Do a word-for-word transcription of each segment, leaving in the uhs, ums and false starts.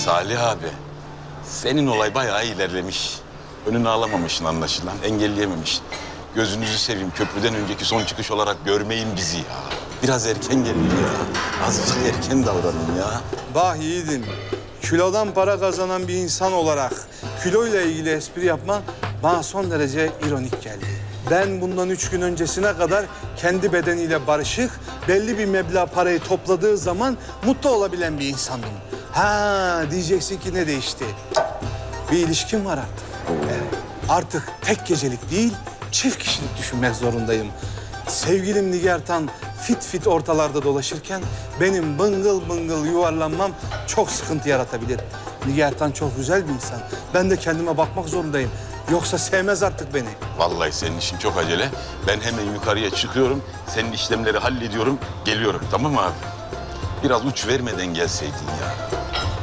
Salih abi, senin olay bayağı ilerlemiş. Önünü alamamışsın anlaşılan, engelleyememişsin. Gözünüzü seveyim, köprüden önceki son çıkış olarak görmeyin bizi ya. Biraz erken gelin ya. Azıcık erken davranın ya. Bah yiğidim, kilodan para kazanan bir insan olarak kiloyla ilgili espri yapman bana son derece ironik geldi. Ben bundan üç gün öncesine kadar kendi bedeniyle barışık, belli bir meblağ parayı topladığı zaman mutlu olabilen bir insandım. Ha diyeceksin ki ne değişti? Bir ilişkim var artık. Evet. Artık tek gecelik değil, çift kişilik düşünmek zorundayım. Sevgilim Nigartan fit fit ortalarda dolaşırken benim bıngıl bıngıl yuvarlanmam çok sıkıntı yaratabilir. Nigartan çok güzel bir insan. Ben de kendime bakmak zorundayım. Yoksa sevmez artık beni. Vallahi senin işin çok acele. Ben hemen yukarıya çıkıyorum, senin işlemleri hallediyorum, geliyorum. Tamam mı abi? Biraz uç vermeden gelseydin ya.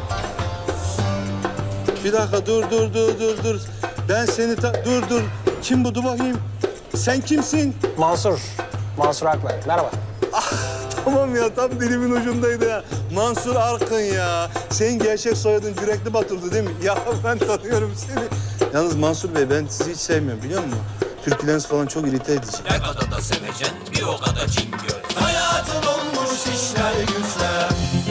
Bir dakika dur dur dur dur dur. Ben seni ta- dur dur. Kim bu? Dur bakayım. Sen kimsin? Mansur. Mansur Akbay. Merhaba. Tamam ya tam dilimin ucundaydı ya. Mansur Arkın ya. Senin gerçek soyadın Cürekli Batur'du değil mi? Ya ben tanıyorum seni. Yalnız Mansur Bey ben sizi hiç sevmiyorum biliyor musun? Türküleriniz falan çok irite edici. Ne kadar da sevecen bir o kadar cingöz. Hayatın olmuş işler güçler.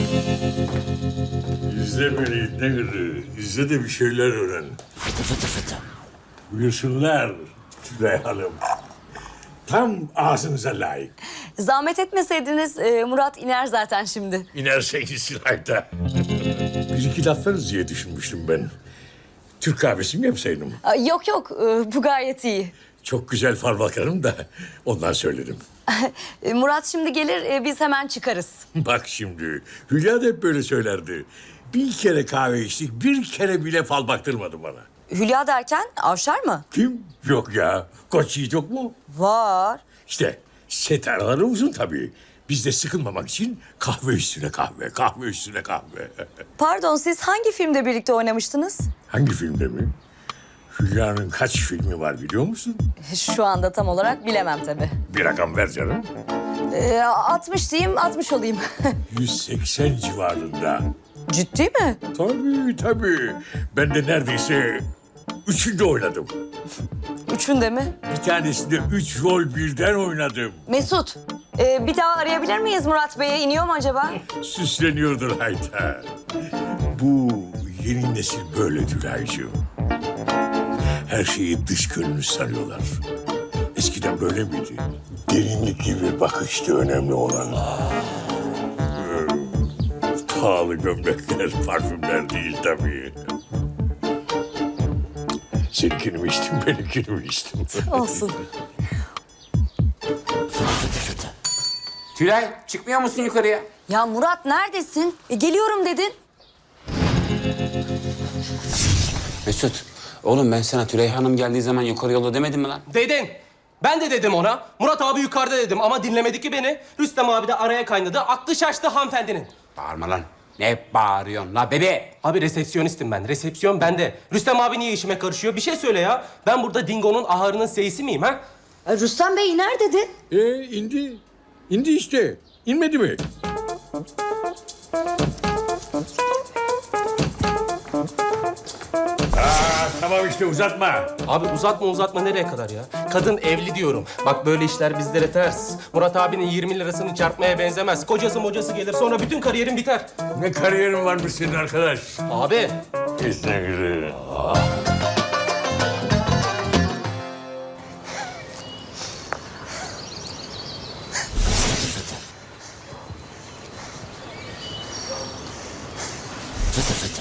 İzle beni ne gırı. İzle de bir şeyler öğren. Fıtı fıtı fıtı. Buyursunlar Tülay Hanım. Tam ağzınıza layık. Zahmet etmeseydiniz e, Murat iner zaten şimdi. İnerse gitsin hayta. Bir iki laf veririz diye düşünmüştüm ben. Türk kahvesi mi yapsaydım? Aa, yok yok e, bu gayet iyi. Çok güzel fal bakarım da ondan söyledim. E, Murat şimdi gelir e, biz hemen çıkarız. Bak şimdi Hülya da hep böyle söylerdi. Bir kere kahve içtik, bir kere bile fal baktırmadı bana. Hülya derken Avşar mı? Kim? Yok ya. Koç Yiğit yok mu? Var. İşte set araları uzun tabii. Biz de sıkılmamak için kahve üstüne kahve, kahve üstüne kahve. Pardon siz hangi filmde birlikte oynamıştınız? Hangi filmde mi? Hülya'nın kaç filmi var biliyor musun? Şu anda tam olarak bilemem tabii. Bir rakam ver canım. E, altmış diyeyim altmış olayım. yüz seksen civarında. Ciddi mi? Tabii tabii. Ben de neredeyse üçünde oynadım. Üçünde mi? Bir tanesinde üç rol birden oynadım. Mesut e, bir daha arayabilir miyiz Murat Bey'e? İniyor mu acaba? Süsleniyordur hayta. Bu yeni nesil böyle Tülay'cığım. Her şeyi dış görünüş sanıyorlar. Eskiden böyle miydi? Derinlik gibi bakıştı önemli olan. Ee, Pahalı gömlekler, parfümler değil tabii. Seninkini mi içtim, benimkini mi içtim? Olsun. Tülay çıkmıyor musun yukarıya? Ya Murat neredesin? E, geliyorum dedin. Mesut, oğlum ben sana Tülay Hanım geldiği zaman yukarı yolla demedim mi lan? Dedin. Ben de dedim ona. Murat abi yukarıda dedim ama dinlemedi ki beni. Rüstem abi de araya kaynadı. Aklı şaştı hanımefendinin. Bağırma lan. Ne bağırıyorsun la bebe? Abi resepsiyonistim ben. Resepsiyon bende. Rüstem abi niye işime karışıyor? Bir şey söyle ya. Ben burada Dingo'nun ahırının seyisi miyim ha? E, Rüstem Bey iner dedi. Ee, indi. İndi işte. İnmedi mi? Aa, tamam işte uzatma. Abi uzatma uzatma nereye kadar ya? Kadın evli diyorum. Bak böyle işler bizlere ters. Murat abinin yirmi lirasını çarpmaya benzemez. Kocası mocası gelir sonra bütün kariyerin biter. Ne kariyerin varmış senin arkadaş? Abi Kesinlikle. Fıtı fıtı.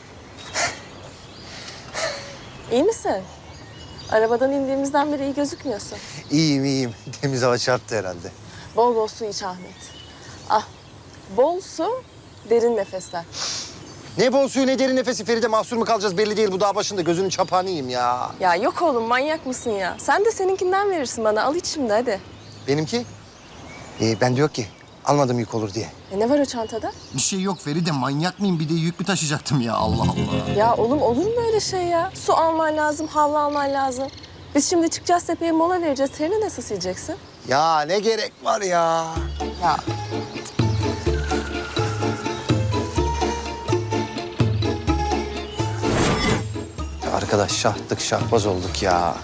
İyi misin? Arabadan indiğimizden beri iyi gözükmüyorsun. İyiyim iyiyim. Temiz hava çarptı herhalde. Bol bol su iç Ahmet. Ah, bol su, derin nefesler. Ne bol suyu ne derin nefesi Feride, mahsur mu kalacağız belli değil. Bu dağ başında gözünün çapağını yiyeyim ya. Ya yok oğlum, manyak mısın ya? Sen de seninkinden verirsin bana. Al iç şimdi hadi. Benimki? Ee, bende yok ki. Almadım yük olur diye. E ne var o çantada? Bir şey yok Feride. Manyak mıyım? Bir de yük mü taşıyacaktım ya? Allah Allah. Ya oğlum olur mu öyle şey ya? Su alman lazım, havlu alman lazım. Biz şimdi çıkacağız tepeye mola vereceğiz. Terini nasıl sileceksin? Ya ne gerek var ya? Ya Arkadaş şahtık şahbaz olduk ya.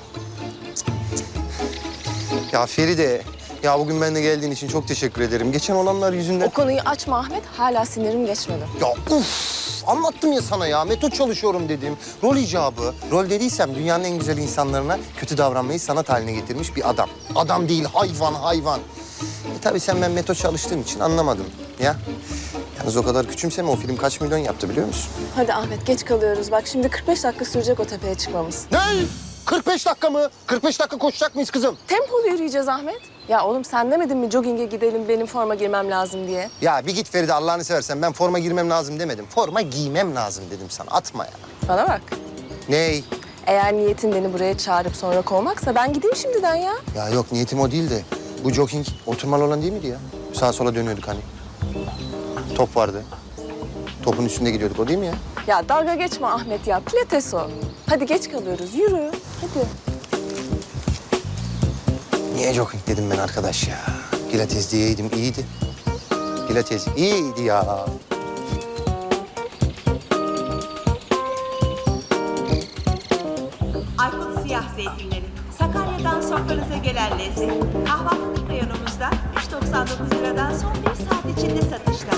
Ya Feride, ya bugün benimle geldiğin için çok teşekkür ederim. Geçen olanlar yüzünden... O konuyu açma Ahmet. Hala sinirim geçmedi. Ya uf! Anlattım ya sana ya. Metot çalışıyorum dedim. Rol icabı. Rol dediysem dünyanın en güzel insanlarına kötü davranmayı sanat haline getirmiş bir adam. Adam değil, hayvan, hayvan. E tabii sen ben metot çalıştığım için anlamadım ya. Yalnız o kadar küçümseme, o film kaç milyon yaptı biliyor musun? Hadi Ahmet geç kalıyoruz. Bak şimdi kırk beş dakika sürecek o tepeye çıkmamız. Ne? kırk beş dakika mı? kırk beş dakika koşacak mıyız kızım? Tempolu yürüyeceğiz Ahmet. Ya oğlum sen demedin mi jogging'e gidelim benim forma girmem lazım diye? Ya bir git Feride, Allah'ını seversen. Ben forma girmem lazım demedim. Forma giymem lazım dedim sana. Atma ya. Bana bak. Ney? Eğer niyetin beni buraya çağırıp sonra kovmaksa ben gideyim şimdiden ya. Ya yok, niyetim o değil de. Bu jogging oturmalı olan değil miydi ya? Sağa sola dönüyorduk hani. Top vardı. Topun üstünde gidiyorduk, o değil mi ya? Ya dalga geçme Ahmet ya. Pilates o. Hadi geç kalıyoruz. Yürü. Hadi. Niye jogging dedim ben arkadaş ya? Pilates diyeydim, iyiydi. Pilates iyiydi ya. Aykut Siyah Zeytinleri. Sakarya'dan sofranıza gelen lezzet. Kahvaltılık reyonumuzda üç doksan dokuz liradan son bir saat içinde satışta.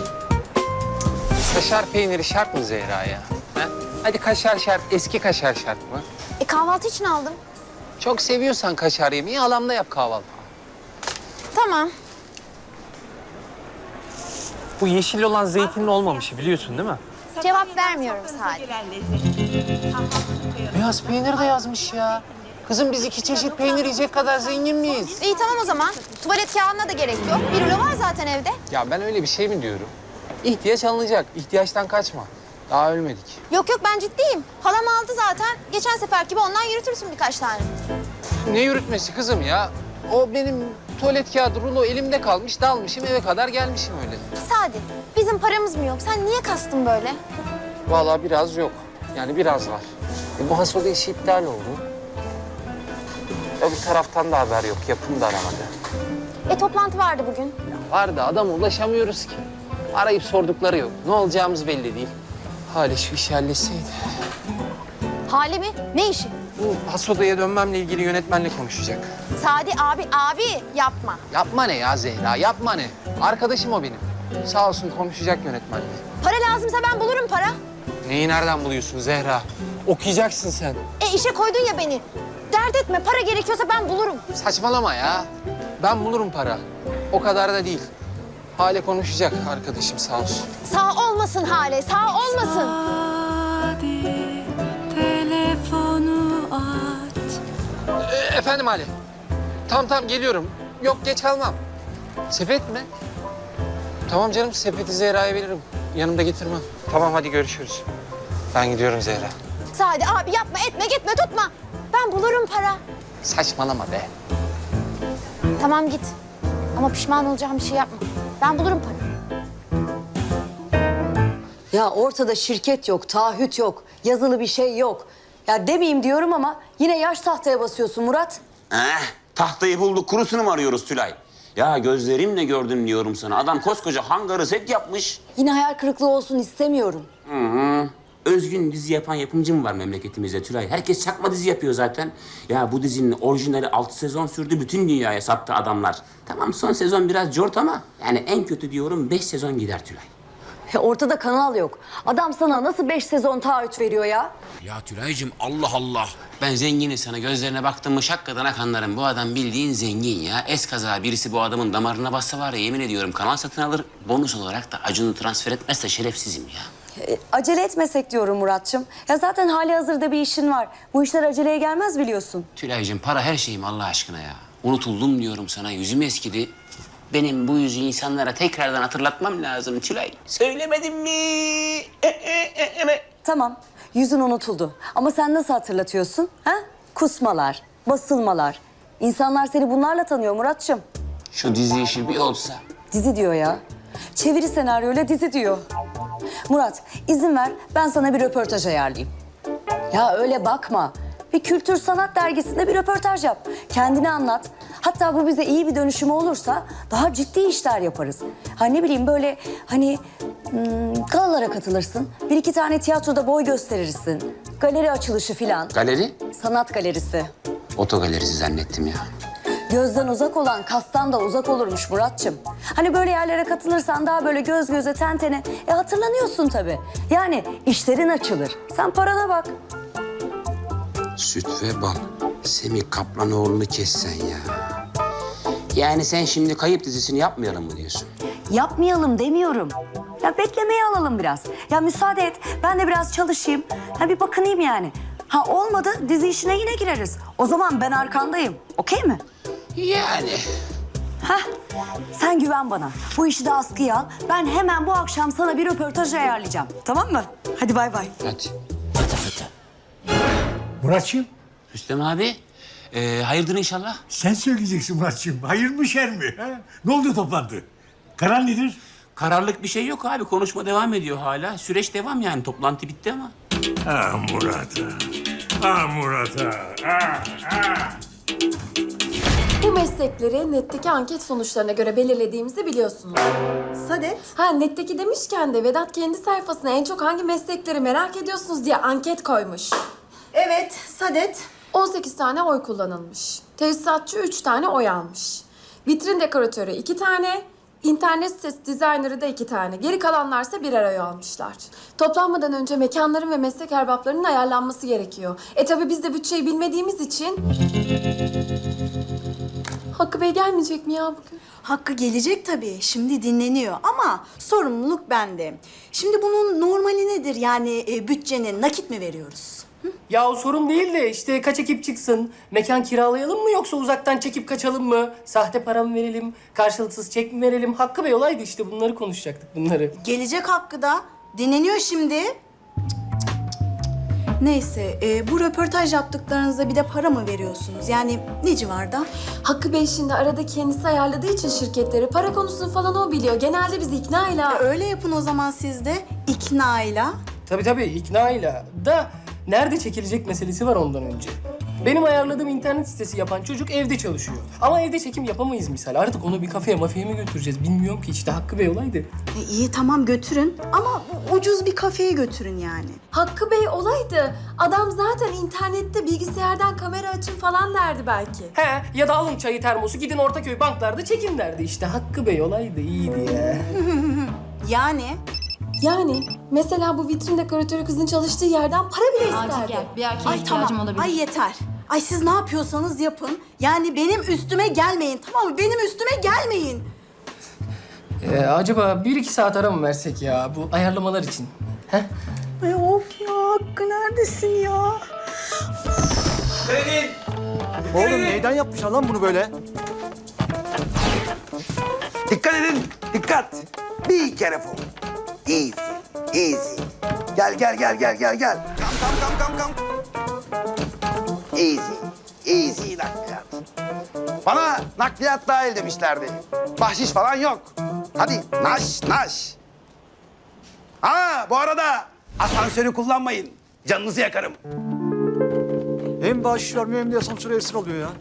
Kaşar peyniri şart mı Zehra ya? Ha? Hadi kaşar şart, eski kaşar şart mı? E kahvaltı için aldım. Çok seviyorsan kaşar yemeği alamda yap kahvaltı. Tamam. Bu yeşil olan zeytinli olmamışı biliyorsun değil mi? Cevap vermiyorum Sofranıza Salih. gelen lezzet. Kahvaltılık reyonumuzda Beyaz peynir de yazmış ya. Kızım biz iki çeşit peynir yiyecek kadar zengin miyiz? İyi tamam o zaman. Tuvalet kağıdına da gerek yok. Bir rulo var zaten evde. Ya ben öyle bir şey mi diyorum? İhtiyaç alınacak, ihtiyaçtan kaçma. Daha ölmedik. Yok yok ben ciddiyim. Halam aldı zaten. Geçen sefer gibi ondan yürütürsün birkaç tane. Ne yürütmesi kızım ya? O benim tuvalet kağıdı rulo elimde kalmış, dalmışım eve kadar gelmişim öyle. Sadi bizim paramız mı yok? Sen niye kastın böyle? Vallahi biraz yok. Yani biraz var. E, bu hasoda işi iptal oldu. Öbür taraftan da haber yok. Yapım da aramadı. E toplantı vardı bugün. Var da adama ulaşamıyoruz ki. Arayıp sordukları yok. Ne olacağımız belli değil. Hale şu işi halletseydi. Hale mi? Ne işi? Bu hasodaya dönmemle ilgili yönetmenle konuşacak. Sadi abi abi yapma. Yapma ne ya Zehra, yapma ne? Arkadaşım o benim. Sağ olsun konuşacak yönetmenle. Para lazımsa ben bulurum para. Neyi nereden buluyorsun Zehra? Okuyacaksın sen. E işe koydun ya beni. Dert etme para gerekiyorsa ben bulurum. Saçmalama ya. Ben bulurum para. O kadar da değil. Hale konuşacak arkadaşım sağ olsun. Sağ olmasın Hale sağ olmasın. telefonu aç. E, efendim Hale. Tamam tamam geliyorum. Yok geç kalmam. Sepet mi? Tamam canım sepeti Zehra'ya veririm. Yanımda getirmem. Tamam hadi görüşürüz. Ben gidiyorum Zehra. Sadi abi yapma etme gitme tutma. Ben bulurum para. Saçmalama be. Tamam git. Ama pişman olacağım bir şey yapma. Ben bulurum para. Ya ortada şirket yok, taahhüt yok, yazılı bir şey yok. Ya demeyeyim diyorum ama yine yaş tahtaya basıyorsun Murat. Eh, tahtayı bulduk, kurusunu mu arıyoruz Tülay? Ya gözlerimle gördüm diyorum sana. Adam koskoca hangarı set yapmış. Yine hayal kırıklığı olsun istemiyorum. Hı hı. Özgün dizi yapan yapımcı mı var memleketimizde Tülay? Herkes çakma dizi yapıyor zaten. Ya bu dizinin orijinali altı sezon sürdü. Bütün dünyaya sattı adamlar. Tamam son sezon biraz cort ama... yani en kötü diyorum beş sezon gider Tülay. Ya ortada kanal yok. Adam sana nasıl beş sezon taahhüt veriyor ya? Ya Tülay'cığım Allah Allah. Ben zenginim sana gözlerine baktım mı şakkadan akanlarım. Bu adam bildiğin zengin ya. Eskaza birisi bu adamın damarına bassa var ya yemin ediyorum kanal satın alır. Bonus olarak da Acun'u transfer etmezse şerefsizim ya. E, acele etmesek diyorum Muratçım. Ya zaten hali hazırda bir işin var. Bu işler aceleye gelmez biliyorsun. Tülay'cığım para her şeyim Allah aşkına ya. Unutuldum diyorum sana yüzüm eskidi. Benim bu yüzü insanlara tekrardan hatırlatmam lazım Tülay. Söylemedim mi? Tamam, yüzün unutuldu. Ama sen nasıl hatırlatıyorsun? Ha? Kusmalar, basılmalar. İnsanlar seni bunlarla tanıyor Muratçım. Şu dizi işi bir olsa. Dizi diyor ya. Çeviri senaryoyla dizi diyor. Murat, izin ver ben sana bir röportaj ayarlayayım. Ya öyle bakma. Bir kültür sanat dergisinde bir röportaj yap. Kendini anlat. Hatta bu bize iyi bir dönüşüm olursa daha ciddi işler yaparız. Ha ne bileyim böyle hani hmm, galalara katılırsın. Bir iki tane tiyatroda boy gösterirsin. Galeri açılışı filan. Galeri? Sanat galerisi. Otogalerisi zannettim ya. Gözden uzak olan kastan da uzak olurmuş Muratçım. Hani böyle yerlere katılırsan daha böyle göz göze ten tene e hatırlanıyorsun tabii. Yani işlerin açılır. Sen parana bak. Süt ve bal. Semih Kaplanoğlu'nu kessen ya. Yani sen şimdi Kayıp dizisini yapmayalım mı diyorsun? Yapmayalım demiyorum. Ya beklemeye alalım biraz. Ya müsaade et ben de biraz çalışayım. Ha bir bakınayım yani. Ha olmadı dizi işine yine gireriz. O zaman ben arkandayım. Okey mi? Yani. Hah, sen güven bana. Bu işi de askıya al. Ben hemen bu akşam sana bir röportaj ayarlayacağım. Tamam mı? Hadi bay bay. Hadi. Muratçığım, Rüstem abi, e, hayırdır inşallah? sen söyleyeceksin Muratçığım. Hayır mı şer mi? Ha? Ne oldu toplantı? Karar nedir? Kararlık bir şey yok abi. Konuşma devam ediyor hala. Süreç devam yani. Toplantı bitti ama. Ah Murat ah. Ah Murat ah. Ah, ah. Bu meslekleri netteki anket sonuçlarına göre belirlediğimizi biliyorsunuz. Sadet. Ha netteki demişken de Vedat kendi sayfasına en çok hangi meslekleri merak ediyorsunuz diye anket koymuş. Evet, Sadet. on sekiz tane oy kullanılmış. Tesisatçı üç tane oy almış. Vitrin dekoratörü iki tane, internet sitesi dizaynerı da iki tane. Geri kalanlarsa birer oy almışlar. Toplanmadan önce mekanların ve meslek erbaplarının ayarlanması gerekiyor. E tabii biz de bütçeyi bilmediğimiz için... Hakkı Bey gelmeyecek mi ya bugün? Hakkı gelecek tabii. Şimdi dinleniyor ama sorumluluk bende. Şimdi bunun normali nedir? Yani e, bütçenin nakit mi veriyoruz? Ya o sorun değil de işte kaç ekip çıksın? Mekan kiralayalım mı yoksa uzaktan çekip kaçalım mı? Sahte para mı verelim? Karşılıksız çek mi verelim? Hakkı Bey olaydı işte bunları konuşacaktık bunları. Gelecek Hakkı da. Dinleniyor şimdi. Neyse, e, bu röportaj yaptıklarınızda bir de para mı veriyorsunuz? Yani ne civarda? Hakkı Bey şimdi arada kendisi ayarladığı için şirketleri para konusunu falan o biliyor. Genelde biz ikna ile... E, öyle yapın o zaman siz de iknayla. Tabii tabii iknayla da nerede çekilecek meselesi var ondan önce. Benim ayarladığım internet sitesi yapan çocuk evde çalışıyor. Ama evde çekim yapamayız misal. Artık onu bir kafeye mafyaya mı götüreceğiz bilmiyorum ki işte Hakkı Bey olaydı. E, iyi tamam götürün ama ucuz bir kafeye götürün yani. Hakkı Bey olaydı. Adam zaten internette bilgisayardan kamera açın falan derdi belki. He ya da alın çayı termosu gidin Ortaköy banklarda çekin derdi işte. Hakkı Bey olaydı iyiydi ya. Yani Yani mesela bu vitrin dekoratörü kızın çalıştığı yerden para bile isterdi. bir Ay tamam. Ay yeter. Ay siz ne yapıyorsanız yapın. Yani benim üstüme gelmeyin tamam mı? Benim üstüme gelmeyin. Ee, acaba bir iki saat ara mı versek ya bu ayarlamalar için? He? Ay of ya Hakkı neredesin ya? Oğlum neyden yapmışlar lan bunu böyle? Dikkat edin, dikkat. Bir kere fall. Easy, easy. Gel, gel, gel, gel, gel, gel. Kam, kam, kam, kam, kam. Easy, easy nakliyat. Bana nakliyat dahil demişlerdi. Bahşiş falan yok. Hadi naş, naş. Ha, bu arada asansörü kullanmayın. Canınızı yakarım. Hem bahşiş vermiyor hem de asansöre esir alıyor ya.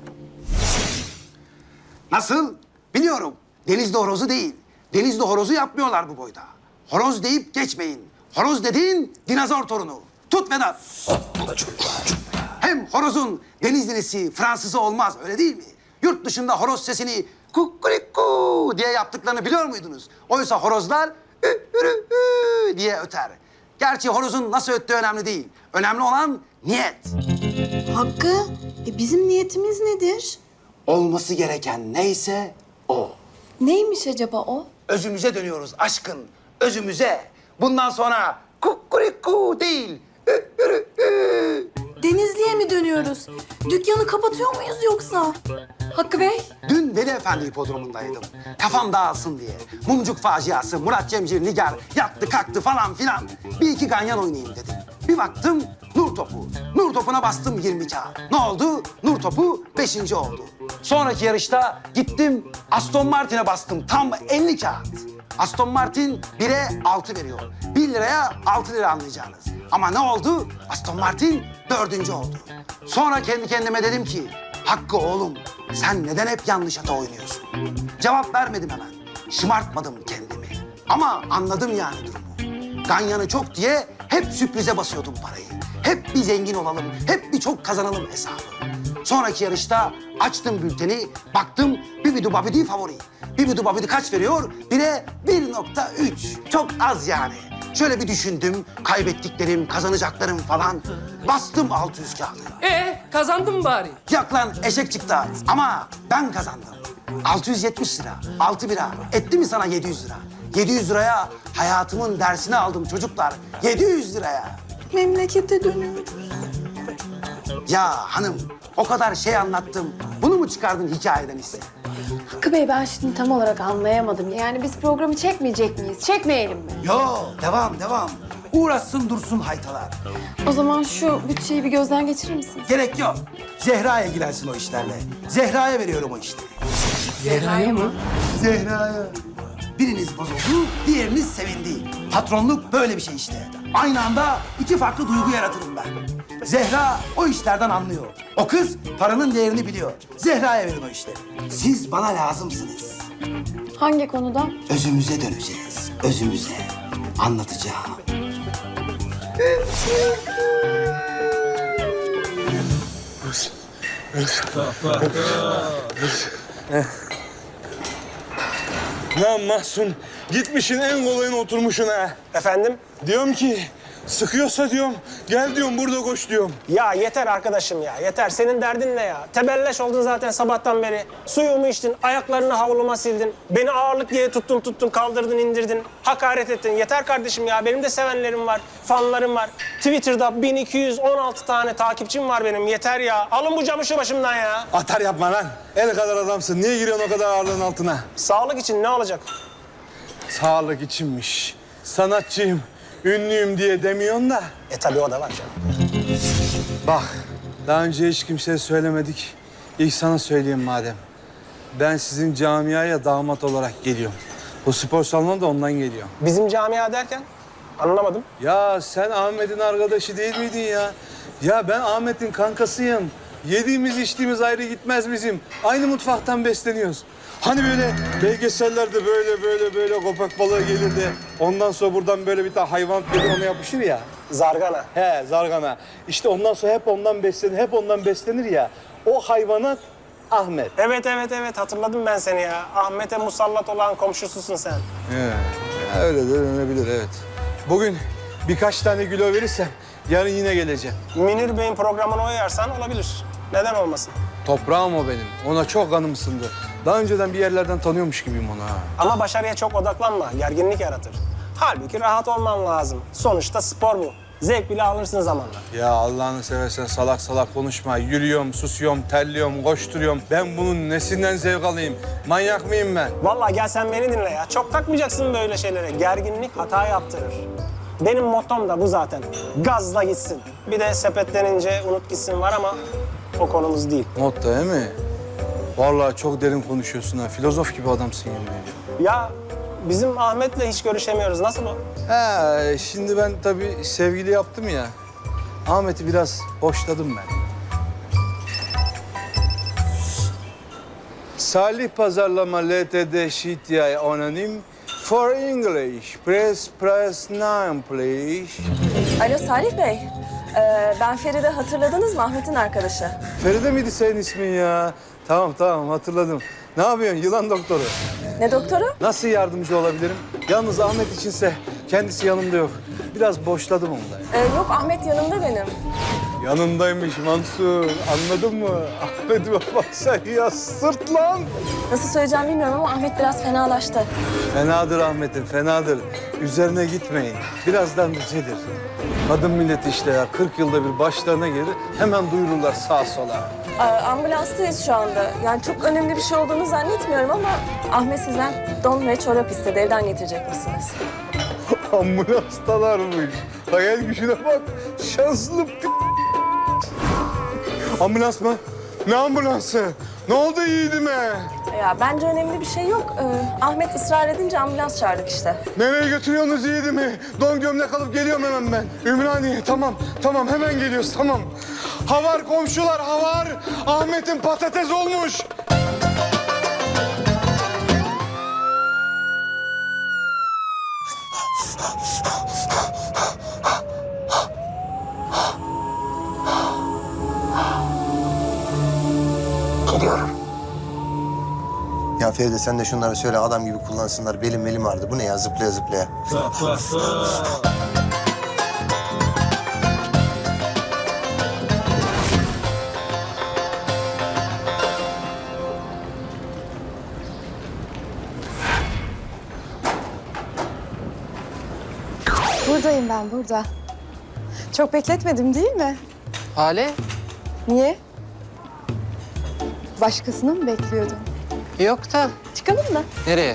Nasıl? Biliyorum. Denizli horozu değil. Denizli horozu yapmıyorlar bu boyda. Horoz deyip geçmeyin. Horoz dediğin dinozor torunu. Tut Vedat. Hem horozun Denizlisi, Fransızı olmaz öyle değil mi? Yurt dışında horoz sesini kukuriku diye yaptıklarını biliyor muydunuz? Oysa horozlar ü, ürü, ü diye öter. Gerçi horozun nasıl öttüğü önemli değil. Önemli olan niyet. Hakkı e, bizim niyetimiz nedir? Olması gereken neyse o. Neymiş acaba o? Özümüze dönüyoruz aşkın, özümüze. Bundan sonra kukuriku değil, ü, ürü, ü. Denizli'ye mi dönüyoruz? Dükkanı kapatıyor muyuz yoksa? Hakkı Bey. Dün Veli Efendi hipodromundaydım. Kafam dağılsın diye. Mumcuk faciası, Murat Cemcir, Nigar yattı kalktı falan filan. Bir iki ganyan oynayayım dedim. Bir baktım nur topu. Nur topuna bastım yirmi kağıt. Ne oldu? Nur topu beşinci oldu. Sonraki yarışta gittim Aston Martin'e bastım tam elli kağıt. Aston Martin bire altı veriyor. Bir liraya altı lira anlayacağınız. Ama ne oldu? Aston Martin dördüncü oldu. Sonra kendi kendime dedim ki Hakkı oğlum sen neden hep yanlış ata oynuyorsun? Cevap vermedim hemen. Şımartmadım kendimi. Ama anladım yani durumu. Ganyanı çok diye hep sürprize basıyordum parayı. Hep bir zengin olalım, hep bir çok kazanalım hesabı. Sonraki yarışta açtım bülteni, baktım Bibidu Babidi favori. Bibidu Babidi kaç veriyor? Bire bir nokta üç. Çok az yani. Şöyle bir düşündüm, kaybettiklerim, kazanacaklarım falan. Bastım altı yüz kağıdı. Ee kazandın bari. Yok lan eşek çıktı ama ben kazandım. altı yüz yetmiş lira, altı bira. Etti mi sana yedi yüz lira? yedi yüz liraya hayatımın dersini aldım çocuklar. yedi yüz liraya. Memlekete dönüyoruz. Ya hanım o kadar şey anlattım. Bunu mu çıkardın hikayeden ise? Hakkı Bey ben şimdi tam olarak anlayamadım. Yani biz programı çekmeyecek miyiz? Çekmeyelim mi? Yo devam devam. Uğraşsın dursun haytalar. O zaman şu bütçeyi bir gözden geçirir misiniz? Gerek yok. Zehra ilgilensin o işlerle. Zehra'ya veriyorum o işleri. Zehra'ya mı? Zehra'ya. Biriniz bozuldu, diğeriniz sevindi. Patronluk böyle bir şey işte. Aynı anda iki farklı duygu yaratırım ben. Zehra o işlerden anlıyor. O kız paranın değerini biliyor. Zehra'ya verin o işleri. Siz bana lazımsınız. Hangi konuda? Özümüze döneceğiz. Özümüze. Anlatacağım. Lan Mahsun, gitmişin en kolayına oturmuşsun ha. Efendim? Diyorum ki, sıkıyorsa diyorum, gel diyorum burada koş diyorum. Ya yeter arkadaşım ya, yeter. Senin derdin ne ya? Tebelleş oldun zaten sabahtan beri. Suyumu içtin, ayaklarını havluma sildin. Beni ağırlık diye tuttun tuttun, kaldırdın indirdin. Hakaret ettin. Yeter kardeşim ya, benim de sevenlerim var, fanlarım var. Twitter'da bin iki yüz on altı tane takipçim var benim. Yeter ya. Alın bu camışı başımdan ya. Atar yapma lan. El kadar adamsın. Niye giriyorsun o kadar ağırlığın altına? Sağlık için ne olacak? Sağlık içinmiş. Sanatçıyım, ünlüyüm diye demiyorsun da. E tabii o da var canım. Bak, daha önce hiç kimseye söylemedik. İlk sana söyleyeyim madem. Ben sizin camiaya damat olarak geliyorum. Bu spor salonu da ondan geliyor. Bizim camia derken? Anlamadım. Ya sen Ahmet'in arkadaşı değil miydin ya? Ya ben Ahmet'in kankasıyım. Yediğimiz içtiğimiz ayrı gitmez bizim. Aynı mutfaktan besleniyoruz. Hani böyle belgesellerde böyle böyle böyle köpek balığı gelir de ondan sonra buradan böyle bir tane hayvan gelir ona yapışır ya. Zargana. He zargana. İşte ondan sonra hep ondan beslenir, hep ondan beslenir ya. O hayvanat Ahmet. Evet evet evet hatırladım ben seni ya. Ahmet'e musallat olan komşususun sen. He, ya öyle de denebilir evet. Bugün birkaç tane kilo verirsem yarın yine geleceğim. Münir Bey'in programına uyarsan olabilir. Neden olmasın? Toprağım o benim. Ona çok kanım ısındı. Daha önceden bir yerlerden tanıyormuş gibiyim onu ha. Ama başarıya çok odaklanma. Gerginlik yaratır. Halbuki rahat olman lazım. Sonuçta spor bu. Zevk bile alırsın zamanla. Ya Allah'ını seversen salak salak konuşma. Yürüyorum, susuyorum, terliyorum, koşturuyorum. Ben bunun nesinden zevk alayım? Manyak mıyım ben? Vallahi gel sen beni dinle ya. Çok takmayacaksın böyle şeylere. Gerginlik hata yaptırır. Benim mottom da bu zaten. Gazla gitsin. Bir de sepetlenince unut gitsin var ama o konumuz değil. Not da değil mi? Vallahi çok derin konuşuyorsun ha. Filozof gibi adamsın yemin ediyorum. Ya bizim Ahmet'le hiç görüşemiyoruz. Nasıl o? He, şimdi ben tabii sevgili yaptım ya. Ahmet'i biraz boşladım ben. Salih Pazarlama L T D C T I Anonim for English. Press press nine please. Alo Salih Bey. Ee, ben Feride, hatırladınız mı? Ahmet'in arkadaşı. Feride miydi senin ismin ya? Tamam tamam hatırladım. Ne yapıyorsun yılan doktoru? Ne doktoru? Nasıl yardımcı olabilirim? Yalnız Ahmet içinse kendisi yanımda yok. Biraz boşladım onu da. Ee, yok Ahmet yanımda benim. Yanındaymış Mansur. Anladın mı? Ahmet'ime baksan ya sırt lan. Nasıl söyleyeceğim bilmiyorum ama Ahmet biraz fenalaştı. Fenadır Ahmet'im, fenadır. Üzerine gitmeyin. Birazdan düzelir. Kadın milleti işte ya. kırk yılda bir başlarına gelir. Hemen duyururlar sağa sola. Ee, ambulanstayız şu anda. Yani çok önemli bir şey olduğunu zannetmiyorum ama Ahmet sizden don ve çorap istedi. Evden getirecek misiniz? Ambulanstalarmış. Hayal gücüne bak. Şanslı p***. Ambulans mı? Ne ambulansı? Ne oldu yiğidime? Ya bence önemli bir şey yok. Ee, Ahmet ısrar edince ambulans çağırdık işte. Nereye götürüyorsunuz yiğidimi? Don gömlek alıp geliyorum hemen ben. Ümraniye tamam, tamam hemen geliyoruz tamam. Havar komşular havar. Ahmet'in patates olmuş. Ya Feride sen de şunları söyle adam gibi kullansınlar. Belim belim ağrıdı. Bu ne ya zıplaya zıplaya. Buradayım ben, burada. Çok bekletmedim değil mi? Hale? Niye? Başkasını mı bekliyordun? Yok da. Çıkalım mı? Nereye?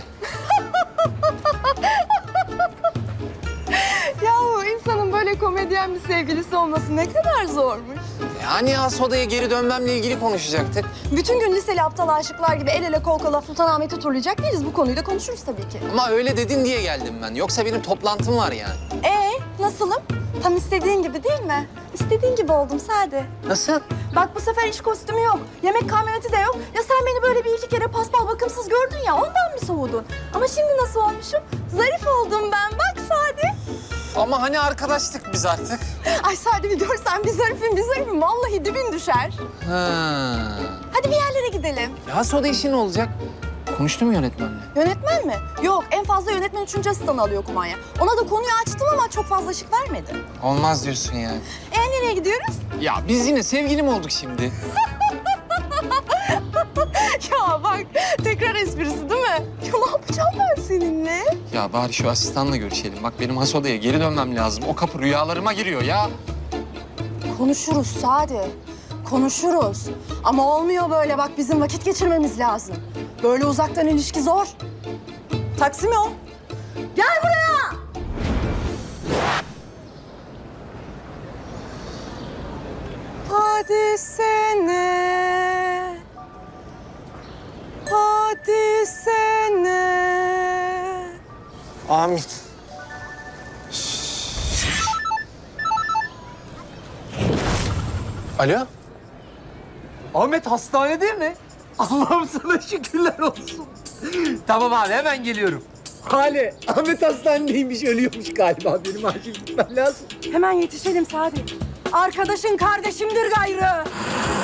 Yahu insanın böyle komedyen bir sevgilisi olması ne kadar zormuş. Yani has odaya geri dönmemle ilgili konuşacaktık. Bütün gün liseli aptal aşıklar gibi el ele kol kola Sultanahmet'i turlayacak değiliz. Bu konuyu da konuşuruz tabii ki. Ama öyle dedin diye geldim ben. Yoksa benim toplantım var yani. Ee, nasılım? Tam istediğin gibi değil mi? İstediğin gibi oldum Sade. Nasıl? Bak bu sefer iş kostümü yok. Yemek kamyoneti de yok. Ya sen beni böyle bir iki kere paspal bakımsız gördün ya ondan mı soğudun? Ama şimdi nasıl olmuşum? Zarif oldum ben. Bak Sade. Ama hani arkadaştık biz artık. Ay Sade bir görsen bir zarifim bir zarifim. Vallahi dibin düşer. Ha. Hadi bir yerlere gidelim. Ya has oda işi ne olacak? Konuştum yönetmenle. Yönetmen mi? Yok en fazla yönetmen üçüncü asistanı alıyor kumanya. Ona da konuyu açtım ama çok fazla ışık vermedi. Olmaz diyorsun yani. E nereye gidiyoruz? Ya biz yine sevgili mi olduk şimdi? Ya bak tekrar esprisi değil mi? Ya ne yapacağım ben seninle? Ya bari şu asistanla görüşelim. Bak benim has odaya geri dönmem lazım. O kapı rüyalarıma giriyor ya. Konuşuruz Sade. Konuşuruz. Ama olmuyor böyle bak bizim vakit geçirmemiz lazım. Böyle uzaktan ilişki zor. Taksi mi o? Gel buraya! Hadi sene. Hadi sene. Amin. Alo? Ahmet hastanede mi? Allah'ım sana şükürler olsun. Tamam abi hemen geliyorum. Hale, Ahmet hastanedeymiş, ölüyormuş galiba. Benim acil gitmem lazım. Hemen yetişelim Sadi. Arkadaşın kardeşimdir gayrı.